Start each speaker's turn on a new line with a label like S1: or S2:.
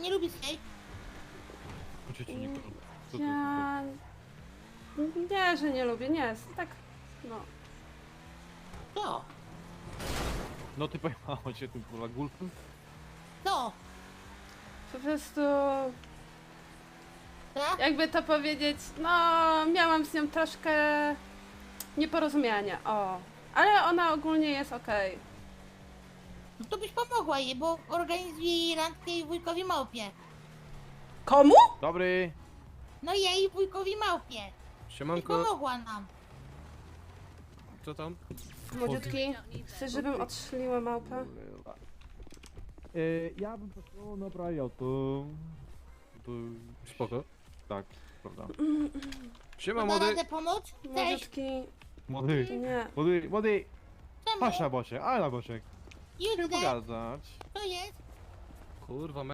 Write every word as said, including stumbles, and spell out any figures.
S1: nie lubi steak?
S2: Cię nie Co to
S3: Ja... Nie, że nie lubię, nie, tak, no.
S1: Co?
S2: No ty pojechało cię tym kurwa gulfem?
S1: Co?
S3: Po prostu,
S1: Tak?
S3: jakby to powiedzieć, no, miałam z nią troszkę nieporozumienia, o. Ale ona ogólnie jest okej.
S1: No to byś pomogła jej, bo organizuje jej randkę jej wujkowi małpie.
S3: Komu?
S2: Dobry!
S1: No jej wujkowi małpie. I
S2: Siemanko,
S1: pomogła nam.
S2: co tam?
S3: Młodziutki, chcesz, żebym odszliła małpę?
S2: Yy, ja bym poszło na prajo, to... To... Spoko. Tak, prawda. Siema
S1: Da
S2: młody!
S1: radę pomóc? Cześć.
S3: Młodziutki,
S2: Młody!
S3: nie.
S2: Młody, młody!
S1: Czemu?
S2: Patrz na boczek, ale na boczek.
S1: Już
S2: Chcę
S1: idę.
S2: pogadać.
S1: To jest?
S2: Kurwa,